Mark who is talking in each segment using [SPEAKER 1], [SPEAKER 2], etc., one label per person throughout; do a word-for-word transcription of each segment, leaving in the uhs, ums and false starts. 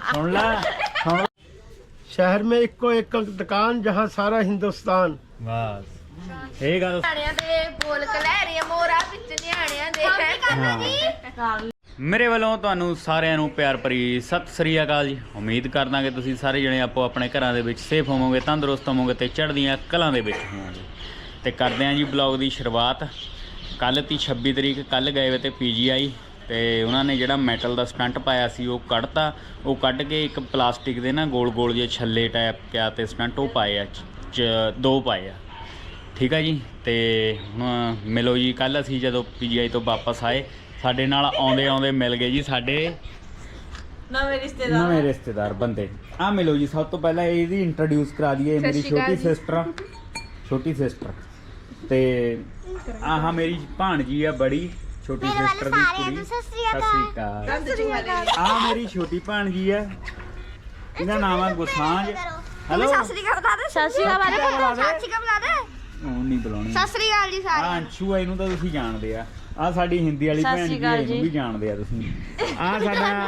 [SPEAKER 1] सुन ला सुन ला।
[SPEAKER 2] शहर में इक्को एक दुकान जहाँ सारा हिंदुस्तान।
[SPEAKER 1] बस ਇਹ ਗੱਲ
[SPEAKER 3] ਬੋਲ ਕਲੈਰੀਆਂ ਮੋਰਾ ਵਿੱਚ ਨਿਆਣਿਆਂ ਦੇ
[SPEAKER 1] ਮੇਰੇ ਵੱਲੋਂ ਤੁਹਾਨੂੰ ਸਾਰਿਆਂ ਨੂੰ ਪਿਆਰ ਭਰੀ ਸਤਿ ਸ੍ਰੀ ਅਕਾਲ ਜੀ। ਉਮੀਦ ਕਰਦਾ ਕਿ ਤੁਸੀਂ ਸਾਰੇ ਜਣੇ ਆਪੋ ਆਪਣੇ ਘਰਾਂ ਦੇ ਵਿੱਚ ਸੇਫ ਹੋਵੋਗੇ, ਤੰਦਰੁਸਤ ਹੋਵੋਗੇ ਤੇ ਚੜ੍ਹਦੀਆਂ ਕਲਾਂ ਦੇ ਵਿੱਚ ਹੋਵੋਗੇ। ਤੇ ਕਰਦੇ ਹਾਂ ਜੀ ਬਲੌਗ ਦੀ ਸ਼ੁਰੂਆਤ। ਕੱਲ੍ਹ ਤੀ ਛੱਬੀ ਤਰੀਕ ਕੱਲ੍ਹ ਗਏ ਵੇ ਤੇ ਪੀ ਜੀ ਆਈ ਤੇ ਉਹਨਾਂ ਨੇ ਜਿਹੜਾ ਮੈਟਲ ਦਾ ਸਟੰਟ ਪਾਇਆ ਸੀ ਉਹ ਕੱਢਤਾ। ਉਹ ਕੱਢ ਕੇ ਇੱਕ ਪਲਾਸਟਿਕ ਦੇ ਨਾ ਗੋਲ ਗੋਲ ਜਿਹੇ ਛੱਲੇ ਟਾਈਪ ਕਿਆ ਤੇ ਸਟੰਟ ਉਹ ਪਾਏ ਆ, ਚ ਦੋ ਪਾਏ ਆ। ਠੀਕ ਆ ਜੀ। ਤੇ ਹੁਣ ਮਿਲੋ ਜੀ। ਕੱਲ੍ਹ ਅਸੀਂ ਜਦੋਂ ਪੀ ਜੀ ਆਈ ਤੋਂ ਵਾਪਸ ਆਏ ਸਾਡੇ ਨਾਲ ਆਉਂਦੇ ਆਉਂਦੇ ਮਿਲ ਗਏ ਜੀ ਸਾਡੇ
[SPEAKER 3] ਨਵੇਂ ਰਿਸ਼ਤੇਦਾਰ
[SPEAKER 1] ਨਵੇਂ ਰਿਸ਼ਤੇਦਾਰ ਬੰਦੇ। ਆ ਮਿਲੋ ਜੀ। ਸਭ ਤੋਂ ਪਹਿਲਾਂ ਇਹਦੀ ਇੰਟਰੋਡਿਊਸ ਕਰਾ ਦਈਏ। ਮੇਰੀ ਛੋਟੀ ਸਿਸਟਰ ਛੋਟੀ ਸਿਸਟਰ ਤੇ ਆਹ ਮੇਰੀ ਭਾਣਜੀ ਆ ਬੜੀ ਛੋਟੀ ਸਿਸਟਰ ਦੀ ਕੁੜੀ। ਸਤਿ ਸ੍ਰੀ ਅਕਾਲ। ਆ ਮੇਰੀ ਛੋਟੀ ਭਾਣਜੀ ਆ, ਇਹਦਾ ਨਾਮ ਆ ਗੁਸਾਂਝ। ਹੈਲੋ
[SPEAKER 3] ਸਤਿ ਸ੍ਰੀ ਅਕਾਲ ਬੁਲਾ ਦੇ। ਸਤਿ ਸ੍ਰੀ ਅਕਾਲ ਬੁਲਾ ਦੇ। ਸਤਿ ਸ੍ਰੀ ਅਕਾਲ ਬੁਲਾ ਦੇ।
[SPEAKER 1] ਉਹ ਨਹੀਂ ਬੁਲਾਉਣੀ।
[SPEAKER 3] ਸਤਿ ਸ੍ਰੀ ਅਕਾਲ ਜੀ ਸਾਰੇ।
[SPEAKER 1] ਆ ਅੰਸ਼ੂ ਆ, ਇਹਨੂੰ ਤਾਂ ਤੁਸੀਂ ਜਾਣਦੇ ਆ। ਆ ਸਾਡੀ ਹਿੰਦੀ ਵਾਲੀ ਭੈਣ ਜੀ, ਇਹਨੂੰ ਵੀ ਜਾਣਦੇ ਆ ਤੁਸੀਂ। ਆ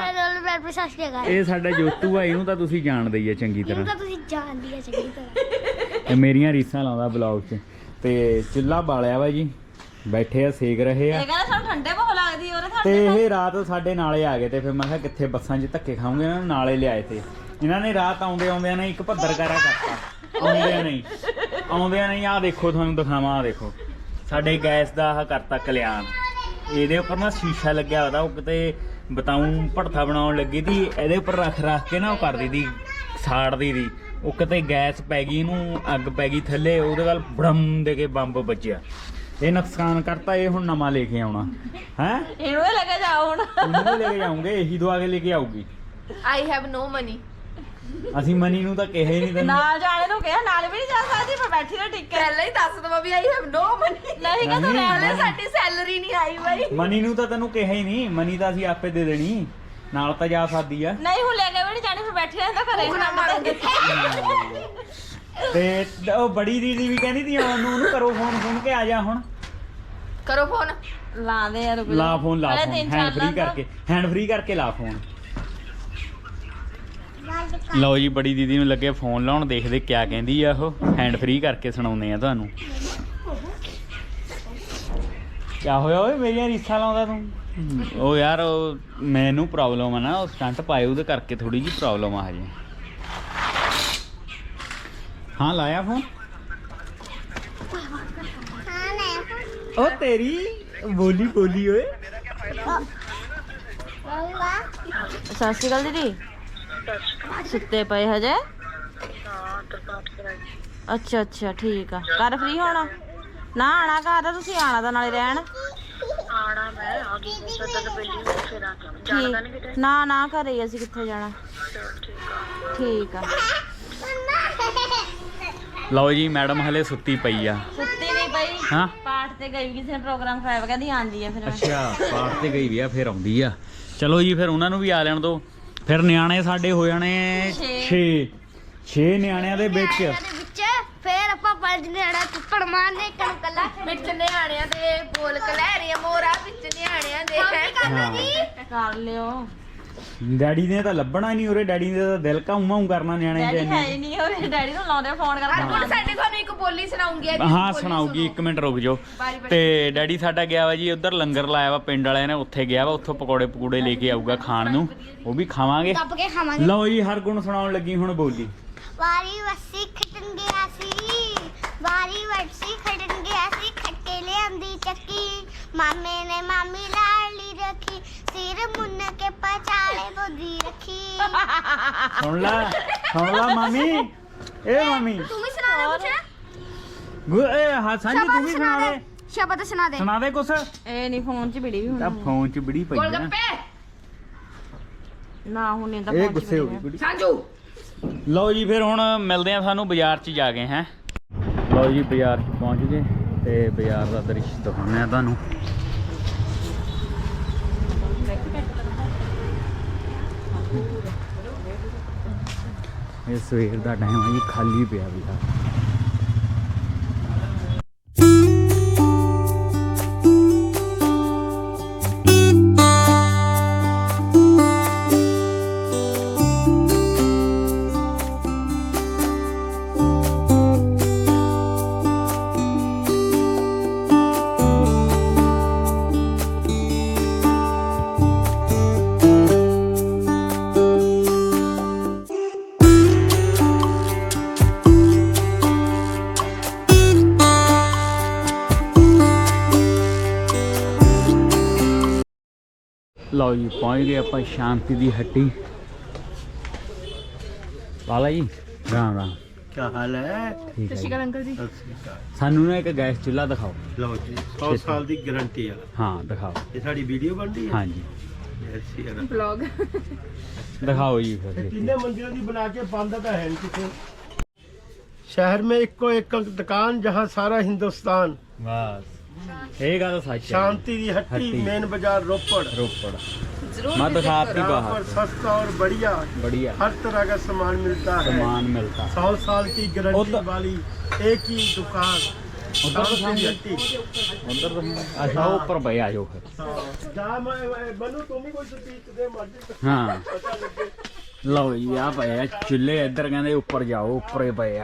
[SPEAKER 1] ਸਾਡਾ ਇਹ ਸਾਡਾ ਜੋਤੂ ਆ, ਇਹਨੂੰ ਤਾਂ ਤੁਸੀਂ ਜਾਣਦੇ ਹੀ ਆ ਚੰਗੀ ਤਰ੍ਹਾਂ।
[SPEAKER 3] ਤਾਂ ਤੁਸੀਂ ਜਾਣਦੀ ਆ ਚੰਗੀ ਤਰ੍ਹਾਂ।
[SPEAKER 1] ਇਹ ਮੇਰੀਆਂ ਰੀਸਾਂ ਲਾਉਂਦਾ ਬਲੌਗ 'ਚ। ਤੇ ਚੁੱਲ੍ਹਾ ਬਾਲਿਆ ਵਾ ਜੀ, ਬੈਠੇ ਆ ਸੇਕ ਰਹੇ ਆ।
[SPEAKER 3] ਇਹ ਕਹਿੰਦਾ ਸਾਨੂੰ ਠੰਡੇ ਬਹੁਤ ਲੱਗਦੀ ਉਹਦੇ
[SPEAKER 1] ਤੇ ਇਹ ਰਾਤ ਸਾਡੇ ਨਾਲੇ ਆ ਗਏ ਤੇ ਫਿਰ ਮੈਂ ਕਿਹਾ ਕਿੱਥੇ ਬੱਸਾਂ 'ਚ ਧੱਕੇ ਖਾਉਂਗੇ, ਇਹਨਾਂ ਨੂੰ ਨਾਲੇ ਲਿਆਏ ਤੇ ਇਹਨਾਂ ਨੇ ਰਾਤ ਆਉਂਦੇ ਆਉਂਦਿਆਂ ਨੇ ਇੱਕ ਭੱਦਰ ਕਾਰਾ ਕਰਤਾ। ਆਉਂਦਿਆਂ ਨਹੀਂ ਆਉਂਦਿਆਂ ਨਹੀਂ ਆਹ ਦੇਖੋ ਤੁਹਾਨੂੰ ਦਿਖਾਵਾਂ। ਆਹ ਦੇਖੋ ਸਾਡੇ ਗੈਸ ਦਾ ਆਹ ਕਰਤਾ ਕਲਿਆਣ। ਇਹਦੇ ਉੱਪਰ ਨਾ ਸ਼ੀਸ਼ਾ ਲੱਗਿਆ ਉਹਦਾ, ਉਹ ਕਿਤੇ ਬਤਾਊਂ ਭੜਥਾ ਬਣਾਉਣ ਲੱਗੀ ਤੀ, ਇਹਦੇ ਉੱਪਰ ਰੱਖ ਰੱਖ ਕੇ ਨਾ ਉਹ ਕਰਦੀ ਤੀ, ਸਾੜਦੀ ਤੀ। ਉਹ ਕਿਤੇ ਗੈਸ ਪੈ ਗਈ, ਇਹਨੂੰ ਅੱਗ ਪੈ ਗਈ ਥੱਲੇ, ਉਹਦੇ ਨਾਲ ਬੜਮ ਦੇ ਕੇ ਬੰਬ ਵੱਜਿਆ। ਇਹ ਨੁਕਸਾਨ ਕਰਤਾ। ਇਹ ਹੁਣ ਨਵਾਂ ਲੈ ਕੇ ਆਉਣਾ ਹੈ।
[SPEAKER 3] ਇਹਨੂੰ ਲੈ ਕੇ ਜਾਓ ਹੁਣ।
[SPEAKER 1] ਇਹਨੂੰ ਲੈ ਕੇ ਜਾਉਂਗੇ, ਇਹੀ ਦਵਾ ਕੇ ਲੈ ਕੇ ਆਊਗੀ।
[SPEAKER 3] I have no money.
[SPEAKER 1] ਅਸੀਂ ਮਨੀ ਨੂੰ ਤਾਂ ਕਿਹਾ ਹੀ ਨਹੀਂ ਤੈਨੂੰ।
[SPEAKER 3] ਨਾਲ ਜਾਣੇ ਨੂੰ ਕਿਹਾ, ਨਾਲ ਵੀ ਨਹੀਂ ਜਾ ਸਕਦੀ। ਮੈਂ ਬੈਠੀ ਨਾ ਟਿੱਕੇ ਪਹਿਲਾਂ ਹੀ ਦੱਸ ਦਵਾਂ ਵੀ ਆਈ ਹੈਵ ਨੋ ਮਨੀ। ਨਹੀਂ ਕਿ ਤੂੰ ਰਹਿ ਸਾਡੀ ਸੈਲਰੀ ਨਹੀਂ ਆਈ ਬਾਈ।
[SPEAKER 1] ਮਨੀ ਨੂੰ ਤਾਂ ਤੈਨੂੰ ਕਿਹਾ ਹੀ ਨਹੀਂ। ਮਨੀ ਤਾਂ ਅਸੀਂ ਆਪੇ ਦੇ ਦੇਣੀ, ਨਾਲ ਤਾਂ ਜਾ ਸਕਦੀ ਆ।
[SPEAKER 3] ਨਹੀਂ ਹੁਣ ਲੈ ਕੇ ਵੀ ਨਹੀਂ ਜਾਣੀ, ਫਿਰ ਬੈਠੀ ਰਹਿੰਦਾ ਘਰੇ। ਹੁਣ ਮਾਰਾਂਗੇ
[SPEAKER 1] ਤੇ ਉਹ ਬੜੀ ਦੀਦੀ ਵੀ ਕਹਿੰਦੀ ਤੀ ਆਉਣ ਨੂੰ, ਉਹਨੂੰ ਕਰੋ ਫੋਨ। ਫੋਨ ਕੇ ਆ ਜਾ ਹੁਣ।
[SPEAKER 3] ਕਰੋ ਫੋਨ। ਲਾ ਦੇ ਯਾਰ।
[SPEAKER 1] ਲਾ ਫੋਨ ਲਾ ਫੋਨ ਹੈਂਡ ਫ੍ਰੀ ਕਰਕੇ, ਹੈਂਡ ਫ੍ਰੀ ਕਰਕੇ ਲਾ ਫੋਨ। ਲਓ ਜੀ, ਬੜੀ ਦੀਦੀ ਨੂੰ ਲੱਗੇ ਫੋਨ ਲਾਉਣ, ਦੇਖਦੇ ਕਿਆ ਕਹਿੰਦੀ ਆ ਉਹ। ਹੈਂਡ ਫ੍ਰੀ ਕਰਕੇ ਸੁਣਾਉਂਦੇ ਆ ਤੁਹਾਨੂੰ। ਕਿਆ ਹੋਇਆ ਓਏ, ਮੇਰੀਆਂ ਰੀਸਾਂ ਲਾਉਂਦਾ ਤੂੰ? ਉਹ ਯਾਰ ਉਹ ਮੈਨੂੰ ਪ੍ਰੋਬਲਮ ਆ ਨਾ, ਉਹ ਸਟੰਟ ਪਾਏ ਉਹਦੇ ਕਰਕੇ ਥੋੜੀ ਜਿਹੀ ਪ੍ਰੋਬਲਮ ਆ ਹਜੇ। ਹਾਂ ਲਾਇਆ ਫੋਨ। ਉਹ ਤੇਰੀ ਬੋਲੀ ਬੋਲੀ ਓਏ।
[SPEAKER 3] ਸਤਿ ਸ਼੍ਰੀ ਅਕਾਲ ਦੀਦੀ। ਸੁੱਤੇ ਪਏ ਹਜੇ? ਅੱਛਾ ਅੱਛਾ ਠੀਕ ਆ। ਘਰ ਫ੍ਰੀ ਹੋਣਾ ਨਾ? ਆਣਾ ਘਰ ਤਾਂ ਤੁਸੀਂ ਆਣਾ ਤਾਂ ਨਾਲੇ ਰਹਿਣ।
[SPEAKER 4] ਆਣਾ ਮੈਂ ਆ ਗਈ ਸੱਤ ਬੇਲੀ ਫਿਰ ਆ ਜਾਣਾ ਨਹੀਂ ਕਿਤੇ।
[SPEAKER 3] ਨਾ ਨਾ ਘਰੇ ਹੀ, ਅਸੀਂ ਕਿੱਥੇ ਜਾਣਾ। ਠੀਕ ਆ।
[SPEAKER 1] ਲਓ ਜੀ, ਮੈਡਮ ਹਲੇ ਸੁੱਤੀ ਪਈ ਆ।
[SPEAKER 3] ਸੁੱਤੀ ਨਹੀਂ ਪਈ।
[SPEAKER 1] ਹਾਂ
[SPEAKER 3] ਪਾਠ ਤੇ ਗਈ, ਕਿਸੇ ਨੇ ਪ੍ਰੋਗਰਾਮ ਕਰਾਇਆ, ਕਹਿੰਦੀ ਆਂਦੀ ਆ। ਫਿਰ
[SPEAKER 1] ਅੱਛਾ, ਪਾਠ ਤੇ ਗਈ ਵੀ ਆ, ਫਿਰ ਆਉਂਦੀ ਆ। ਚਲੋ ਜੀ, ਫਿਰ ਉਹਨਾਂ ਨੂੰ ਵੀ ਆ ਲੈਣ ਦੋ। ਫਿਰ ਨਿਆਣੇ ਸਾਡੇ ਹੋ ਜਾਣੇ ਛੇ ਛੇ ਨਿਆਣਿਆਂ ਦੇ ਵਿੱਚ।
[SPEAKER 3] ਫਿਰ ਆਪਾਂ ਪੰਜ ਨਿਆਣਾ ਕੁੱਕੜ ਮਾਰਨੇ, ਇੱਕ ਨੂੰ ਕੱਲਾ ਵਿੱਚ ਨਿਆਣਿਆਂ ਦੇ ਬੋਲ ਕਲੈਰੀਆਂ ਮੋਰਾ ਵਿੱਚ ਨਿਆਣਿਆਂ ਦੇ ਕਰ ਲਿਓ।
[SPEAKER 1] ਡੈਡੀ ਨੇ ਤਾਂ ਲੱਭਣਾ ਨਹੀਂ ਉਰੇ। ਡੈਡੀ ਨੇ ਤਾਂ ਦਿਲ ਘਾਉਂ ਕਰਨਾ ਨਿਆਣੇ
[SPEAKER 3] ਡੈਡੀ ਹੈ ਹੀ ਨਹੀਂ ਉਰੇ। ਡੈਡੀ ਨੂੰ ਲਾਉਂਦੇ ਫੋਨ ਕਰਕੇ। ਹੁਣ ਸਾਡੇ ਤੁਹਾਨੂੰ ਇੱਕ ਬੋਲੀ ਸੁਣਾਉਂਗੀ।
[SPEAKER 1] ਹਾਂ ਸੁਣਾਉਗੀ, ਇੱਕ ਮਿੰਟ ਰੁਕ ਜਾਓ। ਤੇ ਡੈਡੀ ਸਾਡਾ ਗਿਆ ਵਾ ਜੀ ਉੱਧਰ, ਲੰਗਰ ਲਾਇਆ ਵਾ ਪਿੰਡ ਵਾਲਿਆਂ ਨੇ, ਉੱਥੇ ਗਿਆ ਵਾ। ਉੱਥੋਂ ਪਕੌੜੇ ਪਕੂੜੇ ਲੈ ਕੇ ਆਊਗਾ ਖਾਣ ਨੂੰ, ਉਹ ਵੀ ਖਾਵਾਂਗੇ। ਲਓ ਜੀ, ਹਰ ਗੁਣ ਸੁਣਾਉਣ ਲੱਗੀ ਹੁਣ ਬੋਲੀ।
[SPEAKER 5] ਵਾਰੀ ਵਸੀ ਖਟਣ ਗਿਆ ਸੀ, ਵਾਰੀ ਵਸੀ ਖਟਣ ਗਿਆ ਸੀ, ਖੱਟੇ ਲਿਆਂਦੀ ਚੱਕੀ, ਮਾਮੇ ਨੇ ਮਾਮੀ ਲਾਲੀ ਰੱਖੀ, ਸਿਰ ਮੁੰਨ ਕੇ ਪਚਾਲੇ ਬੋਦੀ ਰੱਖੀ।
[SPEAKER 1] ਸੁਣ ਲੈ ਸੁਣ ਲੈ ਮਾਮੀ। ਏ ਮਾਮੀ
[SPEAKER 3] ਤੂੰ ਵੀ ਸੁਣਾ ਦੇ
[SPEAKER 1] ਗੁ ਏ ਹਾਂ ਸਾਂਝੀ ਤੂੰ ਵੀ ਸੁਣਾ ਦੇ।
[SPEAKER 3] ਸ਼ਬਦ ਸੁਣਾ ਦੇ।
[SPEAKER 1] ਸੁਣਾ ਦੇ ਕੁਛ।
[SPEAKER 3] ਇਹ ਨਹੀਂ ਫੋਨ 'ਚ ਵੀਡੀਓ ਵੀ
[SPEAKER 1] ਤਾਂ
[SPEAKER 3] ਹੋਣੀ।
[SPEAKER 1] ਫੋਨ 'ਚ ਬੜੀ ਪਈ ਆ
[SPEAKER 3] ਨਾ ਹੁਣ ਇਹ ਤਾਂ
[SPEAKER 1] ਇਹ
[SPEAKER 3] ਫੋਨ 'ਚ
[SPEAKER 1] ਗੁੱਸੇ ਹੋ ਗਈ
[SPEAKER 3] ਵੀਡੀਓ।
[SPEAKER 1] ਕੁੜੀ।
[SPEAKER 3] ਸਾਂਝੂ
[SPEAKER 1] ਲਓ ਜੀ, ਫਿਰ ਹੁਣ ਮਿਲਦੇ ਆ ਸਾਨੂੰ ਬਾਜ਼ਾਰ 'ਚ ਜਾ ਕੇ। ਹੈ ਲਓ ਜੀ, ਬਾਜ਼ਾਰ 'ਚ ਪਹੁੰਚ ਗਏ ਤੇ ਬਾਜ਼ਾਰ ਦਾ ਦ੍ਰਿਸ਼ ਦਿਖਾਉਂਦੇ ਆ ਤੁਹਾਨੂੰ। ਇਹ ਸਵੇਰ ਦਾ ਟਾਈਮ ਆ ਜੀ, ਖਾਲੀ ਪਿਆ ਬਾਜ਼ਾਰ। ਲਓ ਜੀ ਪਹੁੰਚ ਗਏ ਆਪਾਂ ਸ਼ਾਂਤੀ ਦੀ ਹੱਟੀ। ਵਾਲਾ ਜੀ ਰਾਮ ਰਾਮ,
[SPEAKER 2] क्या हाल है?
[SPEAKER 1] ਠੀਕ ਹੈ ਜੀ।
[SPEAKER 3] ਅੰਕਲ ਜੀ
[SPEAKER 2] सत श्री अकाल।
[SPEAKER 1] ਸਾਨੂੰ ਨਾ ਇੱਕ ਗੈਸ ਚੁੱਲ੍ਹਾ ਦਿਖਾਓ।
[SPEAKER 2] लो जी सौ साल की गारंटी है।
[SPEAKER 1] ਹਾਂ ਦਿਖਾਓ।
[SPEAKER 2] ये साड़ी वीडियो बन रही है।
[SPEAKER 1] ਹਾਂਜੀ
[SPEAKER 2] ऐसी है ना।
[SPEAKER 3] ਵਲੌਗ
[SPEAKER 1] ਦਿਖਾਓ ਜੀ ਫਿਰ ਦੇਖੀਏ।
[SPEAKER 2] कितने मंजिलों की बना के बंद तो है नहीं किसी। शहर में इको एक दुकान जहाँ सारा हिंदुस्तान।
[SPEAKER 1] ਬਸ ਇਹ ਗੱਲ ਸੱਚ ਹੈ।
[SPEAKER 2] शांति की हट्टी
[SPEAKER 1] हट्टी।
[SPEAKER 2] मेन बाजार रोपड़।
[SPEAKER 1] ਰੋਪੜ
[SPEAKER 3] ਜ਼ਰੂਰ
[SPEAKER 1] ਮੈਂ ਦਿਖਾਤੀ
[SPEAKER 2] यहाँ पर
[SPEAKER 1] ਬਾਹਰ
[SPEAKER 2] सस्ता और बढ़िया
[SPEAKER 1] बढ़िया
[SPEAKER 2] हर तरह का सामान मिलता है।
[SPEAKER 1] सामान मिलता है।
[SPEAKER 2] सौ साल की गारंटी
[SPEAKER 1] उधर-
[SPEAKER 2] वाली एक ही दुकान।
[SPEAKER 1] उधर तो
[SPEAKER 2] शांति की
[SPEAKER 1] सामने-
[SPEAKER 2] हट्टी।
[SPEAKER 1] ਉਧਰ ਤੋਂ ਅੱਛਾ ਉੱਪਰ ਪਏ ਆ ਜਾਓ ਫਿਰ।
[SPEAKER 2] जहाँ मैं बनू तुम ही कोई स्पीच दे मर्जी
[SPEAKER 1] ਹਾਂ
[SPEAKER 2] पता लगे।
[SPEAKER 1] ਲਓ ਜੀ ਆ ਪਏ ਆ ਚੁੱਲ੍ਹੇ, ਇੱਧਰ ਕਹਿੰਦੇ ਉੱਪਰ ਜਾਓ, ਉੱਪਰ ਹੀ ਪਏ ਆ।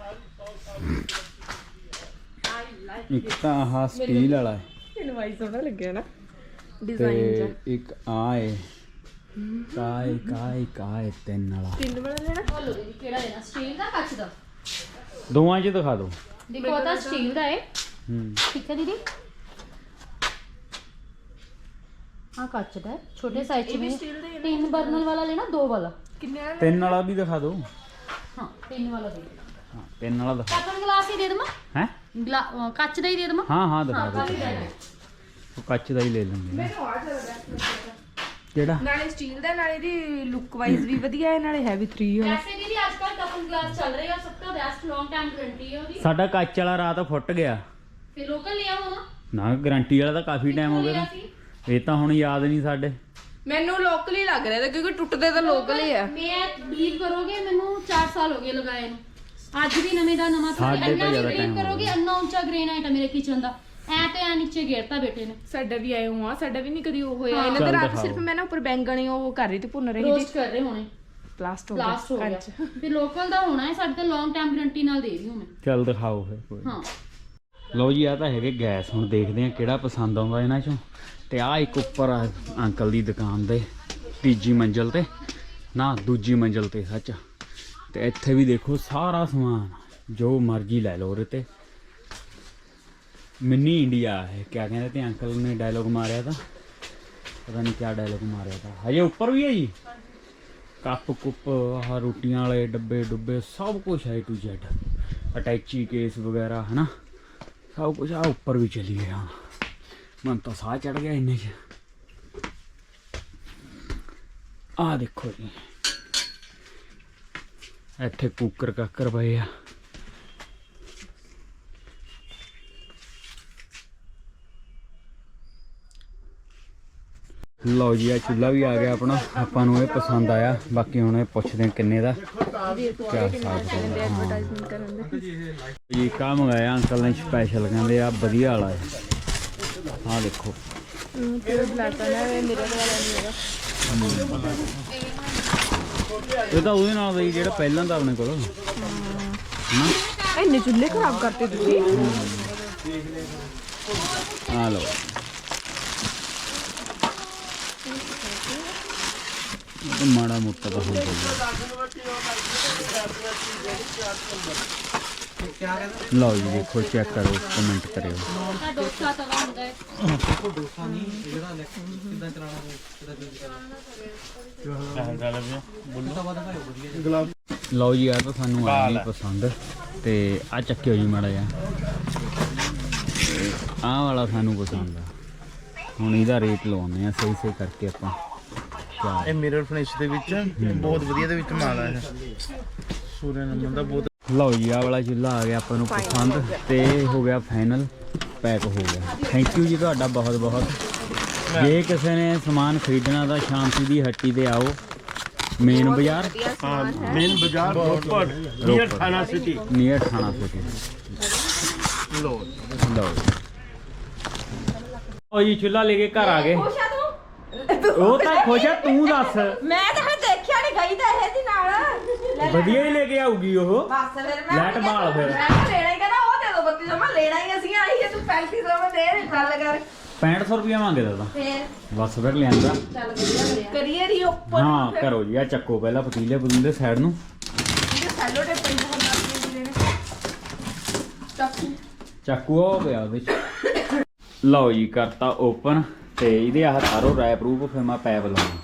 [SPEAKER 1] ਇੱਕ ਤਾਂ ਆਹ ਸਟੀਲ ਵਾਲਾ ਹੈ
[SPEAKER 3] ਮੈਨੂੰ ਵਾਈ ਸੋਹਣਾ ਲੱਗਿਆ ਨਾ
[SPEAKER 1] ਤੇ ਇੱਕ ਆ ਏ ਕਾਏ ਕਾਏ ਕਾਏ ਤਿੰਨ ਵਾਲਾ।
[SPEAKER 3] ਤਿੰਨ ਵਾਲਾ ਲੈਣਾ।
[SPEAKER 6] ਬੋਲੋ ਦੀਦੀ ਕਿਹੜਾ ਲੈਣਾ, ਸਟੀਲ ਦਾ ਕੱਚ ਦਾ?
[SPEAKER 1] ਦੋਵਾਂ 'ਚ ਦਿਖਾ ਦਿਓ।
[SPEAKER 6] ਦੇਖੋ ਉਹ ਤਾਂ ਸਟੀਲ ਦਾ ਹੈ,
[SPEAKER 1] ਹੂੰ
[SPEAKER 6] ਠੀਕ ਹੈ ਦੀਦੀ। ਹਾਂ ਕੱਚ ਦਾ ਹੈ, ਛੋਟੇ ਸਾਈਜ਼ ਚ ਵੀ। ਤਿੰਨ ਬਰਨਰ ਵਾਲਾ ਲੈਣਾ, ਦੋ ਵਾਲਾ?
[SPEAKER 3] ਕਿੰਨੇ ਵਾਲਾ?
[SPEAKER 1] ਤਿੰਨ ਵਾਲਾ ਵੀ ਦਿਖਾ ਦਿਓ।
[SPEAKER 6] ਹਾਂ ਤਿੰਨ ਵਾਲਾ ਦੇ ਦੇਣਾ।
[SPEAKER 1] ਹਾਂ ਤਿੰਨ ਵਾਲਾ ਦਿਖਾ।
[SPEAKER 6] ਕਾਪਨ ਗਲਾਸ ਹੀ ਦੇ ਦੇਵਾਂ?
[SPEAKER 1] ਹੈ
[SPEAKER 6] ਗਲਾ ਅਹ ਕੱਚ ਦਾ ਹੀ ਦੇ ਦੇਵਾਂ?
[SPEAKER 1] ਹਾਂ ਹਾਂ ਦਿਖਾ
[SPEAKER 6] ਹਾਂ ਕੱਚ
[SPEAKER 1] ਦਿਓ।
[SPEAKER 6] ਦਾ ਹੈ।
[SPEAKER 1] ਉਹ ਕੱਚ ਦਾ ਹੀ ਲੈ ਲਾਂਗੇ।
[SPEAKER 3] ਮੈਨੂੰ ਆ ਚੱਲਦਾ
[SPEAKER 1] ਕਿਹੜਾ?
[SPEAKER 3] ਨਾਲੇ ਸਟੀਲ ਦਾ, ਨਾਲੇ ਦੀ ਲੁੱਕ ਵਾਈਜ਼ ਵੀ ਵਧੀਆ ਹੈ, ਨਾਲੇ ਹੈਵੀ ਥ੍ਰੀ ਹੈ।
[SPEAKER 6] ਵੈਸੇ ਦੀਦੀ ਅੱਜ ਕੱਲ੍ਹ ਕਾਪਨ ਗਲਾਸ ਚੱਲ ਰਹੇ ਆ, ਸਭ ਤੋਂ ਬੈਸਟ ਲੌਂਗ ਟਾਈਮ ਗਾਰੰਟੀ ਹੈ ਉਹਦੀ।
[SPEAKER 1] ਸਾਡਾ ਕੱਚ ਵਾਲਾ ਰਾਤ ਫੁੱਟ ਗਿਆ
[SPEAKER 6] ਫਿਰ ਲੋਕਲ ਲਿਆ ਹੋਣਾ।
[SPEAKER 1] ਨਾ, ਗਾਰੰਟੀ ਵਾਲਾ ਤਾਂ ਕਾਫੀ ਟਾਈਮ ਹੋ ਗਿਆ
[SPEAKER 6] ਲਿਆ
[SPEAKER 1] ਤਾਂ।
[SPEAKER 6] ਸੀ।
[SPEAKER 1] ਇਹ ਤਾਂ ਹੁਣ ਯਾਦ ਨਹੀਂ ਸਾਡੇ।
[SPEAKER 3] ਮੈਨੂੰ ਲੋਕਲ ਹੀ ਲੱਗ ਰਿਹਾ ਕਿਉਂਕਿ ਟੁੱਟਦੇ ਤਾਂ ਲੋਕਲ ਹੀ ਆ।
[SPEAKER 6] ਮੈਂ ਬਲੀਵ ਕਰੋਗੇ ਮੈਨੂੰ ਚਾਰ ਸਾਲ ਹੋ ਗਏ ਲਗਾਏ ਨੂੰ, ਅੱਜ ਵੀ ਨਵੇਂ ਦਾ ਨਵਾਂ ਥਾ।
[SPEAKER 1] ਸਾਡੇ ਤੋਂ
[SPEAKER 6] ਇੰਨਾ
[SPEAKER 1] ਜ਼ਿਆਦਾ
[SPEAKER 6] ਬਲੀਵ
[SPEAKER 1] time ਹੋ
[SPEAKER 6] ਕਰੋਗੇ,
[SPEAKER 1] ਗਿਆ।
[SPEAKER 6] ਇੰਨਾ ਉੱਚਾ ਗ੍ਰੇਨਾਈਟ ਹੈ ਮੇਰੇ ਕਿਚਨ ਦਾ। ਐ ਤੇ ਐ ਨੀਚੇ ਘੇਰਤਾ ਬੇਟੇ ਨੇ।
[SPEAKER 3] ਸਾਡਾ ਵੀ ਆਏ ਹੋਆ, ਸਾਡਾ ਵੀ ਨਹੀਂ ਕਦੀ ਉਹ ਹੋਇਆ।
[SPEAKER 6] ਹਾਂ।
[SPEAKER 3] ਇਹਨਾਂ ਦੇ
[SPEAKER 1] ਚੱਲ
[SPEAKER 3] ਰਾਤ
[SPEAKER 1] ਦਿਖਾਓ।
[SPEAKER 3] ਸਿਰਫ ਮੈਂ ਨਾ ਉੱਪਰ ਬੈਂਗਣੀ ਉਹ ਕਰ ਰਹੀ ਤੇ ਭੁੰਨ ਰਹੀ
[SPEAKER 6] ਰੋਸਟ
[SPEAKER 3] ਸੀ।
[SPEAKER 6] ਕਰ ਰਹੇ ਹੋਣੇ,
[SPEAKER 3] ਪਲਾਸਟ ਹੋ
[SPEAKER 6] ਬਲਾਸਟ ਹੋ
[SPEAKER 3] ਗਿਆ
[SPEAKER 6] ਗਿਆ।
[SPEAKER 3] ਕੰਚ।
[SPEAKER 6] ਤੇ ਲੋਕਲ ਦਾ ਹੋਣਾ ਹੈ, ਸਾਡੇ ਤਾਂ ਲੌਂਗ ਟਾਈਮ ਗਾਰੰਟੀ ਨਾਲ ਦੇ ਰਹੀ ਹਾਂ ਮੈਂ।
[SPEAKER 1] ਚੱਲ ਦਿਖਾਓ ਫਿਰ ਕੋਈ।
[SPEAKER 6] ਹਾਂ
[SPEAKER 1] ਲਓ ਜੀ ਆ ਤਾਂ ਹੈਗੇ ਗੈਸ। ਹੁਣ ਦੇਖਦੇ ਆ ਕਿਹੜਾ ਪਸੰਦ ਆਉਂਦਾ ਇਹਨਾਂ ਚੋਂ। ਤੇ ਆ ਇੱਕ ਉੱਪਰ ਆ ਅੰਕਲ ਦੀ ਦੁਕਾਨ ਦੇ ਤੀਜੀ ਮੰਜ਼ਲ ਤੇ, ਨਾ ਦੂਜੀ ਮੰਜ਼ਲ ਤੇ ਸੱਚ। ਤੇ ਇੱਥੇ ਵੀ ਦੇਖੋ ਸਾਰਾ ਸਮਾਨ ਜੋ ਮਰਜ਼ੀ ਲੈ ਲਓ ਉਹਦੇ ਤੇ। ਮਿੰਨੀ ਇੰਡੀਆ ਹੈ ਕਿਆ ਕਹਿੰਦੇ ਤੇ ਅੰਕਲ ਨੇ ਡਾਇਲੋਗ ਮਾਰਿਆ ਤਾਂ, ਪਤਾ ਨਹੀਂ ਕਿਆ ਡਾਇਲੋਗ ਮਾਰਿਆ ਤਾਂ। ਹਜੇ ਉੱਪਰ ਵੀ ਹੈ ਜੀ ਕੱਪ ਕੁੱਪ, ਆਹ ਰੋਟੀਆਂ ਵਾਲੇ ਡੱਬੇ ਡੁੱਬੇ ਸਭ ਕੁਝ ਹੈ ਟੂ ਜ਼ੈਡ। ਅਟੈਚੀ ਕੇਸ ਵਗੈਰਾ ਹੈ ਨਾ, ਸਭ ਕੁਝ ਆ ਉੱਪਰ ਵੀ ਚਲੀ ਗਿਆ। ਮਨ ਤਾਂ ਸਾਹ ਚੜ ਗਿਆ ਇੰਨੇ 'ਚ। ਆਹ ਦੇਖੋ ਜੀ ਇੱਥੇ ਕੁੱਕਰ ਕਾਕਰ ਪਏ ਆ। ਲਓ ਜੀ ਆ ਚੁੱਲ੍ਹਾ ਵੀ ਆ ਗਿਆ ਆਪਣਾ। ਆਪਾਂ ਨੂੰ ਇਹ ਪਸੰਦ ਆਇਆ। ਬਾਕੀ ਹੁਣ ਇਹ ਪੁੱਛਦੇ ਹਾਂ ਕਿੰਨੇ ਦਾ ਕਿਆ ਹਿਸਾਬ ਹੈ।
[SPEAKER 3] ਐਡਵਰਟਾਈਜ਼ਮੈਂਟ ਕਰਨ ਦੇ।
[SPEAKER 1] ਜੀ ਕਾ ਮੰਗਾਇਆ ਅੰਕਲ ਨੇ ਸਪੈਸ਼ਲ, ਕਹਿੰਦੇ ਆ ਵਧੀਆ ਵਾਲਾ ਹੈ। ਆਹ ਦੇਖੋ
[SPEAKER 3] ਤੇ ਬਲੈਕ ਵਾਲਾ ਹੈ, ਮੇਰੇ ਵਾਲਾ ਨਹੀਂ ਹੈਗਾ।
[SPEAKER 1] ਇਹ ਤਾਂ ਉਹਦੇ ਨਾਲ ਦਾ ਹੀ ਜਿਹੜਾ ਪਹਿਲਾਂ ਦਾ ਆਪਣੇ ਕੋਲ ਹਨਾ।
[SPEAKER 3] ਇੰਨੇ ਚੁੱਲ੍ਹੇ ਖਰਾਬ ਕਰਤੇ ਤੁਸੀਂ।
[SPEAKER 1] ਆ ਲਓ ਇਹ ਮਾੜਾ ਮੋਟਾ ਤਾਂ ਹੁੰਦਾ ਹੀ। ਲਓ ਜੀ ਦੇਖੋ ਚੈੱਕ ਕਰੋ, ਕਮੈਂਟ ਕਰਿਓ।
[SPEAKER 6] ਤਾਂ ਡੋਸਾ ਤਵਾ ਹੁੰਦਾ ਹੈ।
[SPEAKER 1] ਲਓ ਜੀ ਆ ਤਾਂ ਸਾਨੂੰ ਆ ਨਹੀਂ ਪਸੰਦ। ਤੇ ਆ ਚੱਕਿਓ ਜੀ ਮਾੜਾ ਜਿਹਾ। ਆਹ ਵਾਲਾ ਸਾਨੂੰ ਪਸੰਦ ਆ। ਹੁਣ ਇਹਦਾ ਰੇਟ ਲਵਾਉਂਦੇ ਆ ਸਹੀ ਸਹੀ ਕਰਕੇ ਆਪਾਂ।
[SPEAKER 7] ਇਹ ਮਿਰਰ ਫਿਨਿਸ਼ ਦੇ ਵਿੱਚ ਬਹੁਤ ਵਧੀਆ ਦੇ ਵਿੱਚ ਮਾਲ ਹੈ। ਸੂਰਿਆ ਨਮਨ ਦਾ ਬਹੁਤ।
[SPEAKER 1] ਲਓ ਜੀ ਆਹ ਵਾਲਾ ਚੁੱਲ੍ਹਾ ਆ ਗਿਆ ਆਪਾਂ ਨੂੰ ਪਸੰਦ ਤੇ ਹੋ ਗਿਆ ਫਾਈਨਲ, ਪੈਕ ਹੋ ਗਿਆ। ਥੈਂਕ ਯੂ ਜੀ ਤੁਹਾਡਾ ਬਹੁਤ ਬਹੁਤ। ਜੇ ਕਿਸੇ ਨੇ ਸਮਾਨ ਖਰੀਦਣਾ ਤਾਂ ਸ਼ਾਂਤੀ ਦੀ ਹੱਟੀ ਤੇ ਆਓ, ਮੇਨ ਬਾਜ਼ਾਰ
[SPEAKER 2] हाँ मेन बाजार रोपड़ नियर थाना सिटी।
[SPEAKER 1] ਨੀਅਰ ਥਾਣਾ ਸਿਟੀ।
[SPEAKER 7] ਲੋ
[SPEAKER 1] ਲਓ ਉਹ ਜੀ ਚੁੱਲ੍ਹਾ ਲੈ ਕੇ ਘਰ ਆ ਗਏ। ਉਹ ਤਾਂ ਖੁਸ਼ ਆ, ਤੂੰ ਦੱਸ।
[SPEAKER 3] ਮੈਂ ਤਾਂ ਹਜੇ ਦੇਖਿਆ ਨਹੀਂ, ਗਈ ਤਾਂ ਇਹ ਦੀ ਨਾਲ।
[SPEAKER 1] ਵਧੀਆ ਹੀ ਲੈ ਕੇ ਆਊਗੀ ਉਹ।
[SPEAKER 3] ਬਸ ਫਿਰ ਮੈਂ
[SPEAKER 1] ਲੈਟ ਬਾਲ ਫਿਰ
[SPEAKER 3] ਮੈਂ ਕਿਹਾ ਲੈਣਾ ਹੀ ਕਹਿੰਦਾ ਉਹ ਦੇ ਦੋ ਬੱਤੀ ਸੌ। ਮੈਂ ਲੈਣਾ ਹੀ ਅਸੀਂ ਆਈ ਹੈ, ਤੂੰ ਪੈਂਤੀ ਸੌ ਮੈਂ ਦੇ ਨਹੀਂ ਗੱਲ ਕਰ।
[SPEAKER 1] ਪੈਂਹਠ ਸੌ ਰੁਪਇਆ ਮੰਗਦਾ ਤਾਂ।
[SPEAKER 3] ਫੇਰ
[SPEAKER 1] ਬਸ ਫਿਰ ਲਿਆਂਦਾ।
[SPEAKER 3] ਚੱਲ ਵਧੀਆ ਕਰਿਆ। ਕਰੀਏ ਰੀ ਉੱਪਰ
[SPEAKER 1] ਹਾਂ ਕਰੋ ਜੀ। ਆ ਚੱਕੋ ਪਹਿਲਾਂ ਪਤੀਲੇ ਪਤੀਲੇ ਸਾਈਡ ਨੂੰ।
[SPEAKER 3] ਇਹ ਸੈਲੋ ਟੇਪ ਪਈ ਹੁੰਦਾ ਸੀ ਨੇ। ਚਾਕੂ
[SPEAKER 1] ਚਾਕੂ ਹੋ ਗਿਆ ਉਹਦੇ ਚ। ਲਓ ਜੀ ਕਰਤਾ ਓਪਨ ਤੇ ਇਹਦੇ ਆਹ ਤਾਰੋ ਰਾਇ ਪ੍ਰੂਫ ਫਿਰ ਮੈਂ ਪੈਪ ਲਾਉਣਾ।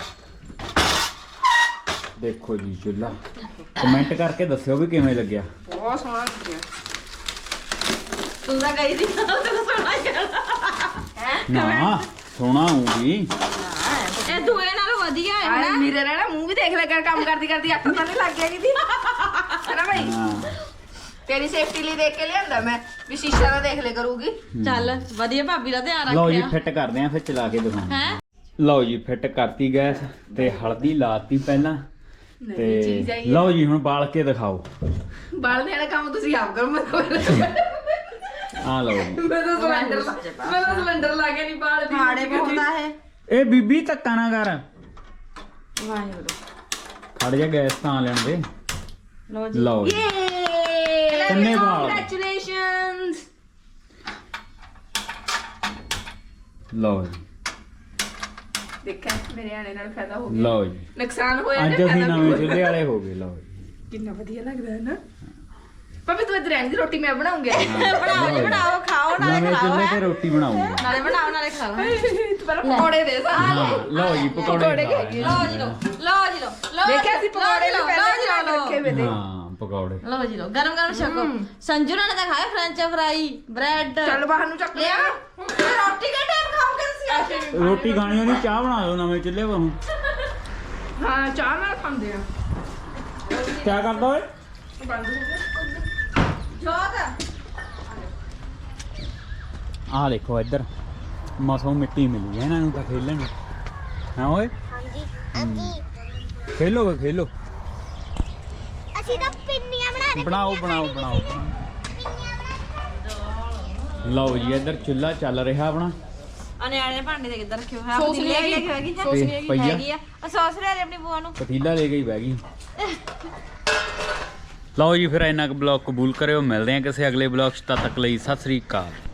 [SPEAKER 1] ਦੇਖੋ ਜੀ ਚੁੱਲ੍ਹਾ, ਕਮੈਂਟ ਕਰਕੇ ਦੱਸਿਓ ਵੀ ਕਿਵੇਂ ਲੱਗਿਆ।
[SPEAKER 8] ਬਹੁਤ ਸੋਹਣਾ ਲੱਗਿਆ।
[SPEAKER 6] ਤੂੰ ਤਾਂ ਗਈ ਸੀ ਤੈਨੂੰ ਸੋਹਣਾ ਕਹਿਣਾ
[SPEAKER 1] ਨਾ ਸੋਹਣਾ ਹੋਊਗੀ।
[SPEAKER 6] ਇਹ ਦੂਏ ਨਾਲੋਂ ਵਧੀਆ ਹੈ
[SPEAKER 8] ਆਏ ਮੇਰੇ ਰਹਿਣਾ ਮੂੰਹ ਵੀ ਦੇਖ ਲੈ ਕਰ ਕੰਮ ਕਰਦੀ ਕਰਦੀ ਅੱਖ ਤਾਂ ਨਹੀਂ ਲੱਗ ਗਿਆ ਕਿਦੀ ਹੈ ਨਾ ਭਾਈ।
[SPEAKER 1] ਹਾਂ
[SPEAKER 8] ਤੇਰੀ ਸੇਫਟੀ ਲਈ ਦੇਖ ਕੇ ਲਿਆਂਦਾ ਮੈਂ ਵੀ ਸ਼ੀਸ਼ਾ ਨਾ ਦੇਖ ਲੈ ਕਰੂਗੀ।
[SPEAKER 6] ਚੱਲ ਵਧੀਆ ਭਾਬੀ ਦਾ ਧਿਆਨ
[SPEAKER 1] ਲਓ ਜੀ
[SPEAKER 6] ਰੱਖਿਆ
[SPEAKER 1] ਫਿੱਟ ਕਰਦੇ ਆਂ ਫਿਰ ਚਲਾ ਕੇ ਦਿਖਾਉਂਦੇ।
[SPEAKER 6] ਹੈ
[SPEAKER 1] ਲਓ ਜੀ ਫਿੱਟ ਕਰਤੀ ਗੈਸ ਤੇ ਹਲਦੀ ਲਾਤੀ ਪਹਿਲਾਂ ਤੇ ਲਓ ਜੀ ਹੁਣ ਬਾਲ ਕੇ ਦਿਖਾਓ।
[SPEAKER 8] ਬਾਲ ਦੇਣਾ ਕੰਮ ਤੁਸੀਂ ਆਪ ਕਰੋ। ਮੈਂ
[SPEAKER 1] ਆ ਲਓ ਜੀ
[SPEAKER 8] ਮੈਂ ਤਾਂ ਸਿਲੰਡਰ ਮੈਂ ਤਾਂ ਸਿਲੰਡਰ ਲਾ ਕੇ ਨਹੀਂ ਬਾਲ ਦੀ
[SPEAKER 6] ਹਾੜੇ ਪਾਉਂਦਾ ਹੈ।
[SPEAKER 1] ਇਹ ਬੀਬੀ ਧੱਕਾ ਨਾ ਕਰ।
[SPEAKER 6] ਵਾਹਿਗੁਰੂ
[SPEAKER 1] ਖੜ ਜਾ ਗੈਸ ਤਾਂ ਲੈਣ ਦੇ।
[SPEAKER 6] ਲਓ ਜੀ
[SPEAKER 1] ਲਓ ਜੀ ਕਿੰਨੇ ਵਾਲ
[SPEAKER 8] ਕੰਗ੍ਰੈਚੁਲੇਸ਼ਨਸ।
[SPEAKER 1] ਲਓ ਜੀ
[SPEAKER 8] ਦੇਖਿਆ ਮੇਰੇ ਆਣੇ ਨਾਲ ਫਾਇਦਾ ਹੋ ਗਿਆ।
[SPEAKER 1] ਲਓ ਜੀ
[SPEAKER 8] ਨੁਕਸਾਨ ਹੋਇਆ
[SPEAKER 1] ਅੱਜ
[SPEAKER 8] ਤੇ
[SPEAKER 1] ਅਸੀਂ
[SPEAKER 8] ਫਾਇਦਾ ਵੀ
[SPEAKER 1] ਨਵੇਂ
[SPEAKER 8] ਹੋਇਆ।
[SPEAKER 1] ਚੁੱਲ੍ਹੇ ਵਾਲੇ ਹੋ ਗਏ। ਲਓ ਜੀ
[SPEAKER 8] ਕਿੰਨਾ ਵਧੀਆ ਲੱਗਦਾ ਹੈ ਨਾ। ਭਾਵੇਂ ਤੂੰ ਇੱਧਰ ਰਹਿਣ ਦੀ ਰੋਟੀ ਮੈਂ ਬਣਾਉਂਗੀ।
[SPEAKER 6] ਬਣਾਓ ਜੀ ਬਣਾਓ ਖਾਓ ਨਾਲੇ
[SPEAKER 1] ਨਵੇਂ
[SPEAKER 6] ਖਾਓ
[SPEAKER 1] ਚੁੱਲ੍ਹੇ
[SPEAKER 6] ਹੈਂ।
[SPEAKER 1] ਤੇ ਰੋਟੀ ਬਣਾਉਂਗੇ।
[SPEAKER 6] ਨਾਲੇ ਬਣਾਓ ਨਾਲੇ ਖਾ ਲਓ
[SPEAKER 8] ਤੂੰ ਪਹਿਲਾਂ ਪਕੌੜੇ ਦੇ ਸਾ।
[SPEAKER 1] ਹਾਂ ਲਓ ਜੀ ਪਕੌੜੇ
[SPEAKER 8] ਪਕੌੜੇ
[SPEAKER 1] ਖਾ
[SPEAKER 8] ਖਾਈਏ।
[SPEAKER 1] ਲੈਣੇ।
[SPEAKER 6] ਲਓ ਜੀ ਲਓ ਲਓ ਜੀ ਲਓ ਲਓ
[SPEAKER 8] ਦੇਖਿਆ ਸੀ ਪਕੌੜੇ
[SPEAKER 6] ਲਓ
[SPEAKER 8] ਵੀ
[SPEAKER 6] ਜੀ,
[SPEAKER 8] ਪਹਿਲਾਂ
[SPEAKER 6] ਲਓ ਜੀ, ਲਓ
[SPEAKER 8] ਰੱਖੇ ਵੇ ਤੇ।
[SPEAKER 1] ਹਾਂ ਪਕੌੜੇ
[SPEAKER 6] ਲਓ ਜੀ ਲਓ ਗਰਮ ਗਰਮ ਛਕੋ। ਸੰਜੂ ਨੇ ਤਾਂ ਖਾਇਆ ਫ੍ਰੈਂਚ ਫਰਾਈ ਬ੍ਰੈਡ
[SPEAKER 8] ਚੱਲ ਬਾਹਰ ਨੂੰ ਚੱਕ ਲਿਆ।
[SPEAKER 6] ਰੋਟੀ ਕਿਹੜੇ ਟਾਈਮ ਖਾਓਗੇ ਤੁਸੀਂ
[SPEAKER 1] ਰੋਟੀ ਖਾਣੀ ਹੋਣੀ ਚਾਹ ਬਣਾ ਦਿਓ ਨਵੇਂ ਚੁੱਲ੍ਹੇ 'ਤੇ ਹੁਣ।
[SPEAKER 8] ਹਾਂ ਚਾਹ ਨਾਲ ਖਾਂਦੇ ਆ।
[SPEAKER 1] ਕੀ ਕਰਦਾ ਓਏ
[SPEAKER 8] ਬੰਦ ਹੋ ਗਿਆ।
[SPEAKER 6] ਜੋਤ
[SPEAKER 1] ਆਹ ਦੇਖੋ ਇੱਧਰ ਮਸੋਂ ਮਿੱਟੀ ਮਿਲੀ ਹੈ ਇਹਨਾਂ ਨੂੰ ਤਾਂ ਖੇਲਣ ਨੂੰ। ਹਾਂ ਓਏ
[SPEAKER 5] ਹਾਂਜੀ ਹਾਂਜੀ
[SPEAKER 1] ਖੇਲੋਗੇ ਖੇਲੋ।
[SPEAKER 5] ਅਸੀਂ ਤਾਂ ਪਿੰਨੀਆਂ ਬਣਾ ਰਹੇ।
[SPEAKER 1] ਬਣਾਓ ਬਣਾਓ ਬਣਾਓ
[SPEAKER 5] ਪਿੰਨੀਆਂ ਬਣਾ
[SPEAKER 1] ਲਓ ਜੀ ਇੱਧਰ ਚੁੱਲ੍ਹਾ ਚੱਲ ਰਿਹਾ ਆਪਣਾ
[SPEAKER 6] ਆ ਨਿਆਣੇ ਭਾਂਡੇ ਦੇ ਕਿੱਧਰ ਰੱਖਿਓ ਹੈ
[SPEAKER 8] ਸੌਸ ਲੈ ਕੇ
[SPEAKER 6] ਹੈਗੀ
[SPEAKER 1] ਤੇ ਪਈਆ
[SPEAKER 6] ਹੈਗੀ ਆ ਆ ਸੌਸ ਲੈ ਲਈ ਆਪਣੀ ਬੂਆ ਨੂੰ
[SPEAKER 1] ਪਤੀਲਾ ਲੈ ਕੇ ਹੀ ਬਹਿ ਗਈ। ਲਓ ਜੀ ਫਿਰ ਇੰਨਾ ਕੁ ਬਲੌਗ ਕਬੂਲ ਕਰਿਓ। ਮਿਲਦੇ ਹਾਂ ਕਿਸੇ ਅਗਲੇ ਬਲੌਗ 'ਚ। ਤਦ ਤੱਕ ਲਈ ਸਤਿ ਸ੍ਰੀ ਅਕਾਲ।